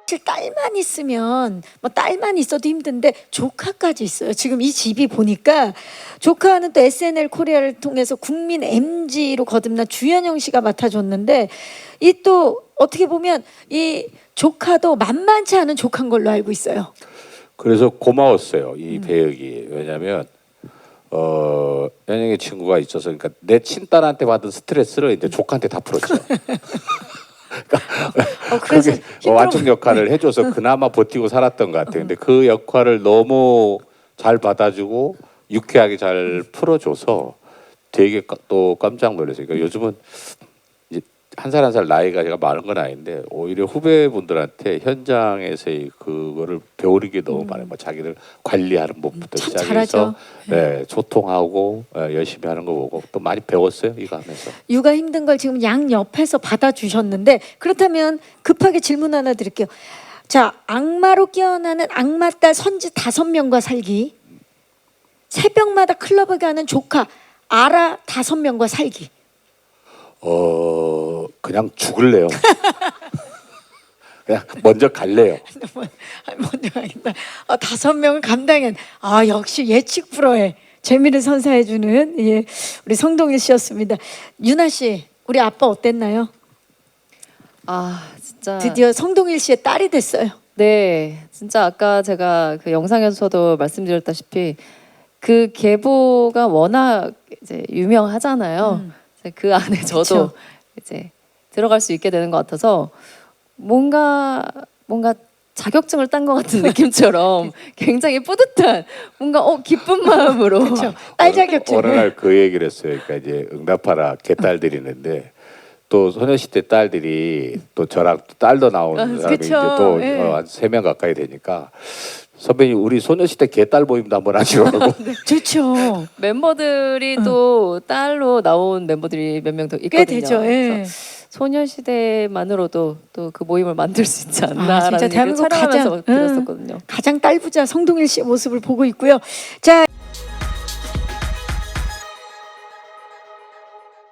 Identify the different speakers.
Speaker 1: 사실 딸만 있으면 뭐 딸만 있어도 힘든데 조카까지 있어요. 지금 이 집이 보니까 조카는 또 SNL 코리아를 통해서 국민 MG로 거듭난 주현영 씨가 맡아줬는데 이 또 어떻게 보면 이 조카도 만만치 않은 조카인 걸로 알고 있어요.
Speaker 2: 그래서 고마웠어요 이 배역이. 왜냐하면 연영의 친구가 있어서 그러니까 내 친딸한테 받은 스트레스를 이제 조카한테 다 풀었죠.
Speaker 1: 그래서
Speaker 2: 그게 완충 역할을 해줘서 그나마 버티고 살았던 것 같아요. 근데 그 역할을 너무 잘 받아주고 유쾌하게 잘 풀어줘서 되게 또 깜짝 놀랐어요. 그러니까 요즘은 이제 한 살 한 살 나이가 제가 많은 건 아닌데 오히려 후배분들한테 현장에서의 그거를 배우는 게 너무 많아요. 뭐 자기를 관리하는 법부터
Speaker 1: 참
Speaker 2: 시작해서
Speaker 1: 잘하죠.
Speaker 2: 네, 소통하고 열심히 하는 거 보고 또 많이 배웠어요 이거 하면서.
Speaker 1: 육아 힘든 걸 지금 양 옆에서 받아주셨는데 그렇다면 급하게 질문 하나 드릴게요. 자, 악마로 깨어나는 악마딸 선지 5명과 살기, 새벽마다 클럽에 가는 조카 아라 5명과 살기.
Speaker 2: 그냥 죽을래요. 그냥 먼저 갈래요.
Speaker 1: 먼저 가겠다. 5명을 감당한 역시 예측 불허의 재미를 선사해주는 우리 성동일 씨였습니다. 유나 씨, 우리 아빠 어땠나요?
Speaker 3: 진짜
Speaker 1: 드디어 성동일 씨의 딸이 됐어요.
Speaker 3: 네, 진짜 아까 제가 그 영상에서도 말씀드렸다시피 그 계보가 워낙 이제 유명하잖아요. 그 안에 저도
Speaker 1: 그쵸.
Speaker 3: 이제 들어갈 수 있게 되는 것 같아서 뭔가 자격증을 딴 것 같은 느낌처럼 굉장히 뿌듯한 뭔가 기쁜 마음으로
Speaker 1: 그렇죠. 딸 자격증.
Speaker 2: 어느 날 그 얘기를 했어요. 그러니까 이제 응답하라 개딸들이 있는데 또 소녀시대 딸들이 또 저랑 또 딸도 나오는 사람이 이제
Speaker 1: 그쵸.
Speaker 2: 또
Speaker 1: 예.
Speaker 2: 한 3명 가까이 되니까 선배님 우리 소녀시대 개딸 모임도 한번 하시라고.
Speaker 1: 좋죠.
Speaker 3: 멤버들이 또 딸로 나온 멤버들이 몇 명 더 있거든요.
Speaker 1: 꽤 되죠. 예.
Speaker 3: 그래서 소녀시대만으로도 또 그 모임을 만들 수 있지
Speaker 1: 진짜
Speaker 3: 않나라는 얘기를
Speaker 1: 대한민국
Speaker 3: 촬영하면서
Speaker 1: 가장
Speaker 3: 들었었거든요.
Speaker 1: 가장 딸부자 성동일 씨의 모습을 보고 있고요. 자.